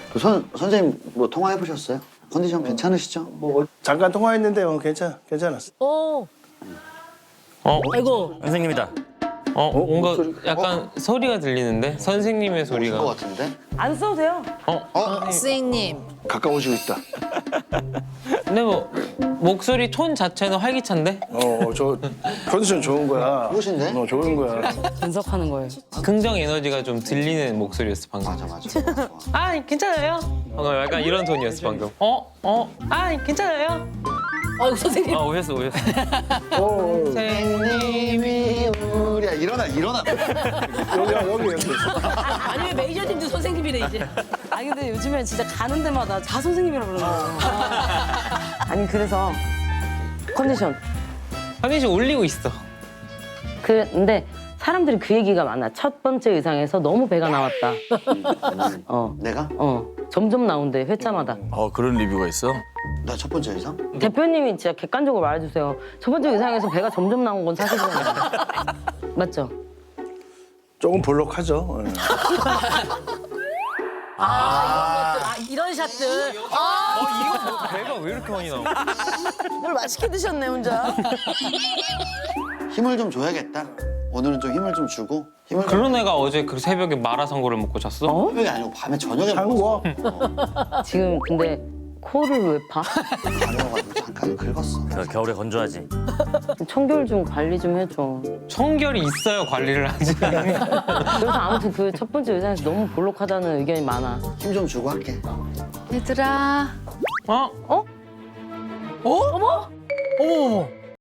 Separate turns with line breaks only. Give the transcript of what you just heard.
선생님 뭐 통화해 보셨어요? 컨디션 괜찮으시죠?
뭐 잠깐 통화했는데 괜찮았어.
아이고.
선생님이다.
뭔가
목소리-
약간 소리가 들리는데? 선생님의
오신 것
소리가.
같은데?
안 써도 돼요.
선생님.
가까워지고 있다.
근데 뭐 목소리 톤 자체는 활기찬데?
저 컨디션 좋은 거야.
좋으신데?
좋은 거야.
분석하는 거예요.
긍정 에너지가 좀 들리는 목소리였어 방금.
맞아.
아 괜찮아요. 약간 이런 톤이었어 방금. 아 괜찮아요.
아이고 선생님.
오셨어.
선생님이
우리야 일어나.
여기.
아니 왜 메이저님도 선생님이래 이제. 아니 근데 요즘엔 진짜 가는 데마다 다 선생님이라 그러는 거예요. 아니 그래서 컨디션.
컨디션 올리고 있어.
근데 사람들이 그 얘기가 많아. 첫 번째 의상에서 너무 배가 나왔다.
내가?
점점 나온대 회차마다.
그런 리뷰가 있어?
나 첫 번째 이상?
대표님이 진짜 객관적으로 말해주세요. 첫 번째 의상에서 배가 점점 나온 건 사실이잖아요. 맞죠?
조금 볼록하죠.
이런 샷들.
이거 배가 왜 이렇게 많이 나와?
뭘 맛있게 드셨네 혼자.
힘을 좀 줘야겠다. 오늘은 좀 힘을 좀 주고 힘을 좀
그런 애가 어제 그 새벽에 마라샹궈를 먹고 잤어?
새벽이 아니고 밤에 저녁에
한국어.
지금 근데 코를 왜 파?
가려가지고 잠깐 긁었어.
겨울에 건조하지.
청결 좀 관리 좀 해줘.
청결이 있어야 관리를 하지.
그래서 아무튼 그 첫 번째 의상에서 너무 볼록하다는 의견이 많아.
힘 좀 주고 할게.
얘들아.
어머?
어머.